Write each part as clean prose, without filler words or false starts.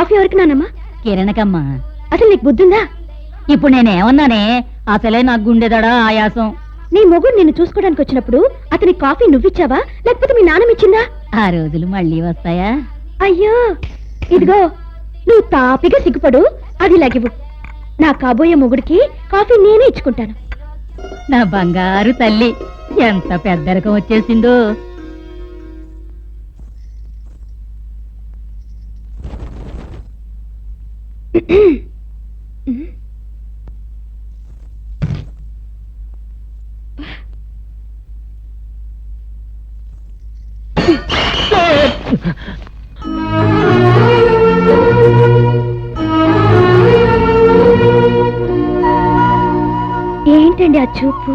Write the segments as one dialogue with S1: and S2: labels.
S1: Coffee ఎవరికి నానమ్మా?
S2: కిరణకమ్మా.
S1: అసలు నీకు బుద్ధుందా?
S2: ఇప్పుడు నేనేమన్నానే? అసలే నాకు గుండెదడా ఆయాసం.
S1: నీ మొగుడు నిన్ను చూసుకోవడానికి వచ్చినప్పుడు అతని కాఫీ నువ్విచ్చావా లేకపోతే మీ నాన్నమిచ్చిందా?
S2: ఆ రోజులు మళ్ళీ వస్తాయా?
S1: అయ్యో ఇదిగో, నువ్వు తాపిగా సిగ్గుపడు, అది లగివు. నా కాబోయే మొగుడికి కాఫీ నేనే ఇచ్చుకుంటాను.
S2: నా బంగారు తల్లి, ఎంత పెద్దరకం వచ్చేసిందో.
S1: ఏంటండి ఆ చూపు?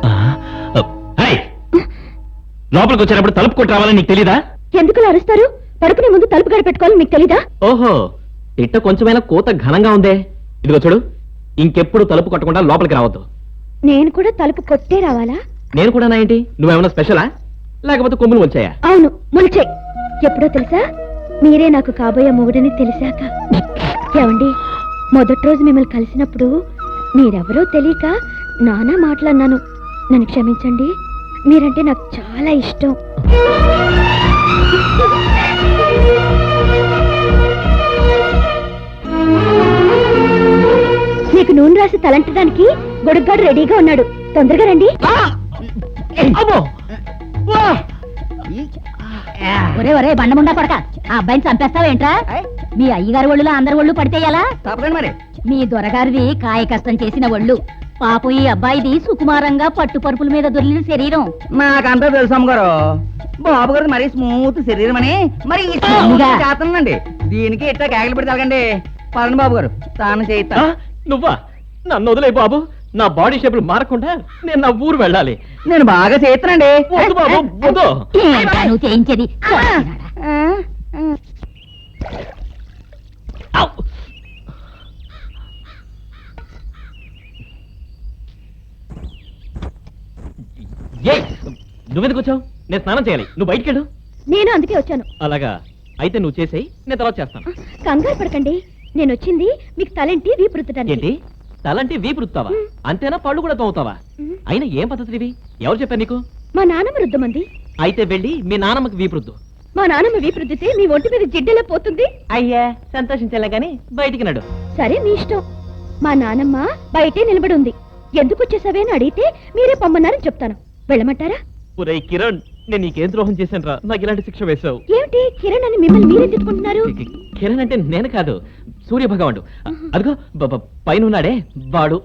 S3: లోపలికి వచ్చేటప్పుడు తలుపు కొట్టి రావాలని నీకు తెలీదా?
S1: ఎందుకు అరుస్తారు? పడుకునే ముందు తలుపు గడ పెట్టుకోవాలని మీకు తెలీదా?
S3: ఓహో, ఇట్ట కొంచెమైనా కోత ఘనంగా ఉందే. ఇదిగో చూడు, ఇంకెప్పుడు తలుపు కొట్టకుండా లోపలికి రావద్దు.
S1: నేను కూడా తలుపు కొట్టే రావాలా?
S3: నేను కూడా నా ఏంటి, నువ్వేమన్నా స్పెషలా లేకపోతే కొమ్ములు వచ్చాయా?
S1: అవును, ములిచాయి. ఎప్పుడో తెలుసా? మీరే నాకు కాబోయే మొగుడని తెలిసాక. ఏమండి, మొదటి రోజు మిమ్మల్ని కలిసినప్పుడు మీరెవరో తెలియక నానా మాట్లాడినాను. నన్ను క్షమించండి, మీరంటే నాకు చాలా ఇష్టం. నీకు నూనె రాసి తలంటడానికి గొడుగ్గాడు రెడీగా ఉన్నాడు, తొందరగా రండి.
S2: ఒరే ఒరే బండముండా కొడక, ఆ అబ్బాయిని చంపేస్తావేంట్రా? మీ అయ్యగారి ఒళ్ళులో అందరి ఒళ్ళు పడితేయాలా?
S4: మరి
S2: మీ దొరగారిది కాయ కష్టం చేసిన ఒళ్ళు. పాపం ఈ అబ్బాయిది సుకుమారంగా పట్టు పరుపుల మీద దొరికిన శరీరం.
S4: మాకంతా తెలుసు అమ్మగారు. బాబు గారు మరీ స్మూత్ శరీరం అని మరి చేస్తానండి. దీనికి ఇట్లా కేకలు పెట్టి తగండి. పదండి బాబు గారు, స్నానం చేయిస్తా.
S3: నువ్వా? నన్ను వదిలే బాబు, నా బాడీ షేపులు మారకుండా నేను నా ఊరు వెళ్ళాలి.
S4: నేను బాగా చేస్తానండి.
S3: వద్దు బాబు, వద్దు.
S2: ఏంట్రా నువ్వు చేయించేది?
S3: నువ్వెందుకు వచ్చావు? నేను స్నానం చేయాలి, నువ్వు బయటికి వెళ్ళు.
S1: నేను అందుకే వచ్చాను.
S3: అలాగా, అయితే నువ్వు చేసేయి, నేను తర్వాత చేస్తాను.
S1: కంగారు పడకండి, నేను వచ్చింది మీకు తలంటి వీపు రుద్దడానికి.
S3: ఏంటి, తలంటే వీపు రుత్తావా? అంతేనా, పళ్ళు కూడా తోముతావా? అయినా ఏం పద్ధతి ఇవి? ఎవరు చెప్పారు నీకు?
S1: మా నాన్నమ్మ రుద్దమంది.
S3: అయితే వెళ్ళి మీ నాన్నమ్మకి వీపు రుద్దు.
S1: మా నాన్నమ్మ వీపు రుద్దితే మీ ఒంటి మీద జిడ్డెలా పోతుంది.
S3: అయ్యా, సంతోషించాలే గాని బయటికి నడు.
S1: సరే, మీ ఇష్టం. మా నాన్నమ్మ బయటే నిలబడి ఉంది. ఎందుకు వచ్చేసావే అని అడిగితే మీరే పొమ్మన్నారని చెప్తాను. వెళ్ళమంటారా?
S3: ఒరేయ్ కిరణ్, నేను నీకేం ద్రోహం చేశాను రా, నాకు ఇలాంటి శిక్ష వేశావు.
S1: ఏమిటి కిరణ్ అని మిమ్మల్ని మీరే తిట్టుకుంటున్నారు?
S3: కిరణ్ అంటే నేను కాదు, సూర్య భగవానుడు. అదిగో పైన ఉన్నాడే వాడు.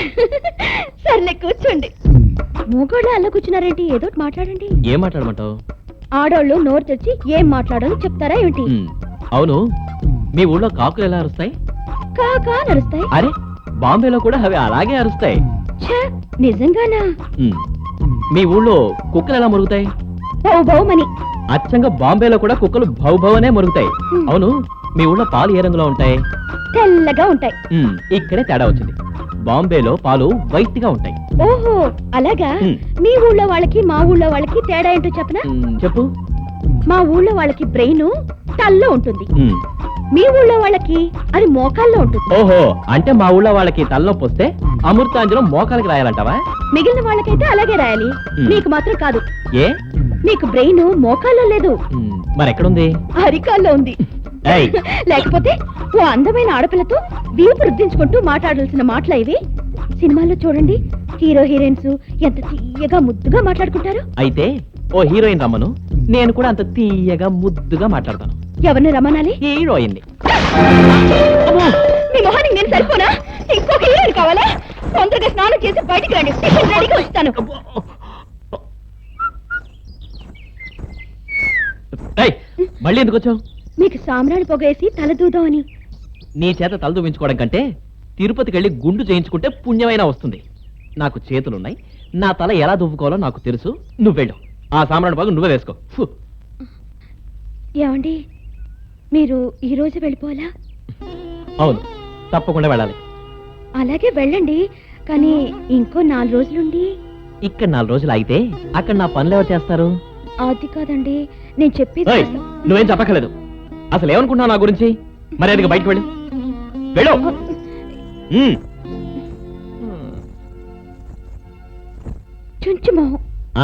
S1: సర్లే, కూర్చోండి. మూగోళ్ళు అల్ల కూర్చున్నారేంటి? ఏదో మాట్లాడండి.
S3: ఏం మాట్లాడమంటావు?
S1: ఆడోళ్ళు నోరు తెచ్చి ఏం మాట్లాడాలో చెప్తారా ఏమిటి?
S3: అవును, మీ ఊళ్ళో కాకులు ఎలా అరుస్తాయి?
S1: కాకా నరుస్తాయి.
S3: అరే, బాంబేలో కూడా అవి అలాగే అరుస్తాయి.
S1: నిజంగానా?
S3: మీ ఊళ్ళో కుక్కలు ఎలా మురుగుతాయి?
S1: బౌ బౌమని.
S3: అచ్చంగా బాంబేలో కూడా కుక్కలు భౌ భౌ అనే మురుగుతాయి. అవును, మీ ఊళ్ళో పాలు ఏ రంగులో ఉంటాయి?
S1: తెల్లగా ఉంటాయి.
S3: ఇక్కడే తేడా వచ్చింది. బాంబేలో పాలు వైట్ గా ఉంటాయి.
S1: ఓహో, అలాగా. మీ ఊళ్ళో వాళ్ళకి మా ఊళ్ళో వాళ్ళకి తేడా ఏంటో చెప్పనా?
S3: చెప్పు.
S1: మా ఊళ్ళో వాళ్ళకి బ్రెయిన్ తల్లో ఉంటుంది, మీ ఊళ్ళో వాళ్ళకి అది మోకాల్లో ఉంటుంది.
S3: ఓహో, అంటే మా ఊళ్ళో వాళ్ళకి తలనొప్పి వస్తే అమృతాంజనం మోకాలకి రాయాలంటావా?
S1: మిగిలిన వాళ్ళకైతే అలాగే రాయాలి, నీకు మాత్రం కాదు.
S3: ఏ?
S1: నీకు బ్రెయిన్ మోకాల్లో లేదు,
S3: మరెక్కడుంది?
S1: అరికాల్లో ఉంది. లేకపోతే ఓ అందమైన ఆడపిల్లతో వీపు రుద్దించుకుంటూ మాట్లాడాల్సిన మాటలు ఇవి. సినిమాల్లో చూడండి, హీరో హీరోయిన్స్ ఎంత తీయగా ముద్దుగా మాట్లాడుకుంటారు.
S3: అయితే ఓ హీరోయిన్ రమ్మను, నేను కూడా అంత తీయగా ముద్దుగా మాట్లాడతాను.
S1: ఎవరిని రమ్మనాలి?
S3: హీరోయిన్.
S1: మీ మొహానికి నేను సరిపోనా? ఇంకొక హీరోయిన్ కావాలా? తొందరగా స్నానం చేసి బయటికి రండి, రెడీగా వస్తాను.
S3: మళ్ళీ ఎందుకు వచ్చావు?
S1: మీకు సామ్రాణి పొగేసి తలదూదాం అని.
S3: నీ చేత తల దూవించుకోవడం కంటే తిరుపతికి వెళ్ళి గుండు చేయించుకుంటే పుణ్యమైనా వస్తుంది. నాకు చేతులున్నాయి, నా తల ఎలా దువ్వుకోవాలో నాకు తెలుసు. నువ్వెళ్ళు, ఆ సామ్రాణి పొగ నువ్వే వేసుకో.
S1: ఏమండి, మీరు ఈ రోజు వెళ్ళిపోవాలా?
S3: అవును, తప్పకుండా వెళ్ళాలి.
S1: అలాగే వెళ్ళండి, కానీ ఇంకో 4 రోజులుండి.
S3: ఇక్కడ 4 రోజులు అయితే అక్కడ నా పనులు ఎవరు చేస్తారు?
S1: అది కాదండి, నేను చెప్పేది.
S3: నువ్వేం చెప్పక్కర్లేదు. అసలు ఏమనుకుంటున్నావు నా గురించి? మర్యాదగా బయటకు వెళ్ళు వెళ్ళు ఉమ్.
S1: చుంచు మొహం.
S3: ఆ?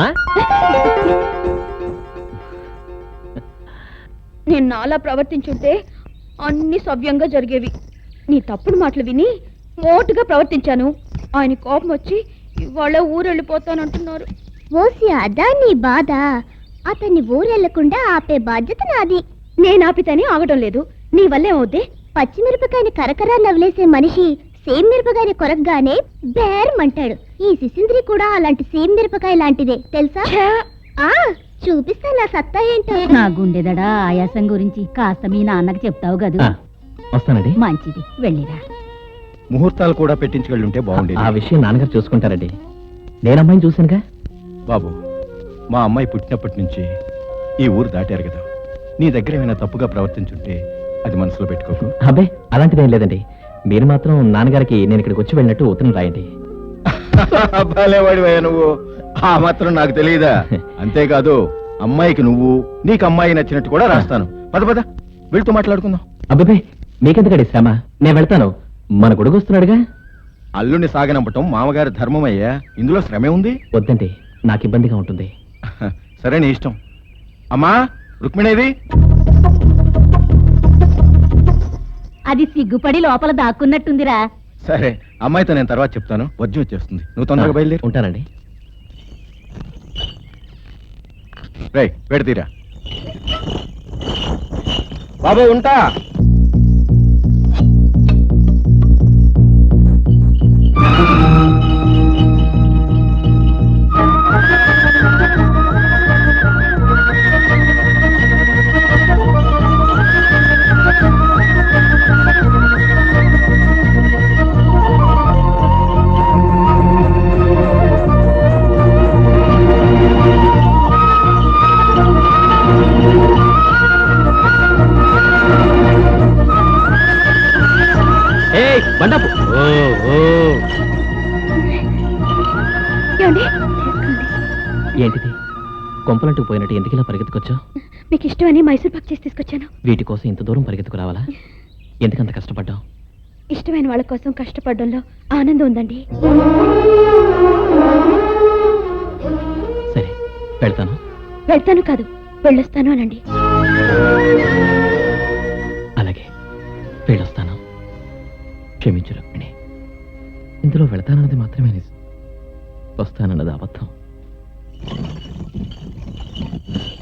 S1: నేను నాలా ప్రవర్తించుంటే అన్ని సవ్యంగా జరిగేవి. నీ తప్పుడు మాటలు విని మోటుగా ప్రవర్తించాను. ఆయన కోపం వచ్చి ఇవాళ ఊరెళ్ళిపోతానంటున్నారు.
S5: ఓసి అదా నీ బాధ. అతన్ని ఊరెళ్లకుండా ఆపే బాధ్యత నాది.
S1: నేను ఆపితేనే ఆగడం లేదు. నీ వల్లే అవుద్ది.
S5: పచ్చిమిరపకాయని కరకరా నవ్వులేసే మనిషి సేమ్ మిరపకాయని కొరకగానే బేరమంటాడు. ఈ శిశింద్రి కూడా అలాంటి సేమ్ మిరపకాయ లాంటిదే తెలుసా? ఆ చూపిస్తా నా సత్తా ఏంటో.
S2: నా గుండెదడా ఆయాసం గురించి కాస్త మీ నాన్నకి చెప్తావు
S3: ఆ,
S2: గదు.
S3: వస్తానండి.
S2: మంచిది, వెళ్ళిరా.
S6: ముహూర్తాలు కూడా పెట్టించుకెళ్ళుంటే బాగుండేది.
S3: ఆ విషయం నాన్నగారు చూసుకుంటారండి. నేను అమ్మాయిని చూశానుగా.
S6: బాబు, మా అమ్మాయి పుట్టినప్పటి నుంచి ఈ ఊరు దాటారు కదా, నీ దగ్గర ఏమైనా తప్పుగా ప్రవర్తించుంటే అది మనసులో పెట్టుకోకు.
S3: అబ్బే అలాంటిదేం లేదండి. మీరు మాత్రం నాన్నగారికి నేను ఇక్కడికి వచ్చి వెళ్ళినట్టు ఉత్తరం రాయండి.
S6: భలేవాడివయ్యా నువ్వు. ఆ మాత్రం నాకు తెలియదా? అంతేకాదు, అమ్మాయికి నువ్వు, నీకు అమ్మాయి నచ్చినట్టు కూడా రాస్తాను. పద పద, వెళ్తూ మాట్లాడుకుందాం.
S3: అబ్బే మీకెందుకండి శ్రమ, నేను వెళ్తాను. మన గొడుగు వస్తున్నాడుగా.
S6: అల్లుని సాగనంపటం మామగారి ధర్మమయ్యా, ఇందులో శ్రమే ఉంది.
S3: వద్దండి, నాకు ఇబ్బందిగా ఉంటుంది.
S6: సరే నీ ఇష్టం. అమ్మా రుక్మిణేది?
S2: అది సిగ్గుపడి లోపల దాక్కున్నట్టుందిరా.
S6: సరే, అమ్మాయితో నేను తర్వాత చెప్తాను. వద్యం వచ్చేస్తుంది, నువ్వు తొందరగా బయలుదేరు.
S3: ఉంటానండి.
S6: రేయ్ పెడతీరా బాబు, ఉంటా.
S3: ఏయ్ బండాపు.
S1: ఏమండి?
S3: ఏంటిది? కొంపలంటూ పోయినట్టు ఎందుకు ఇలా పరిగెత్తుకొచ్చావు?
S1: మీకు ఇష్టమని మైసూర్ పాక్ చేసి తీసుకొచ్చాను.
S3: వీటి కోసం ఇంత దూరం పరిగెత్తుకు రావాలా? ఎందుకంత కష్టపడ్డావు?
S1: ఇష్టమైన వాళ్ళ కోసం కష్టపడడంలో ఆనందం ఉందండి.
S3: సరే వెళ్తాను.
S1: వెళ్తాను కాదు, వెళ్ళొస్తాను అనండి.
S3: అలాగే వెళ్ళొస్తాను. క్షమించు రుక్మిణి, ఇందులో వెళతానన్నది మాత్రమే నిజం, వస్తానన్నది అబద్ధం.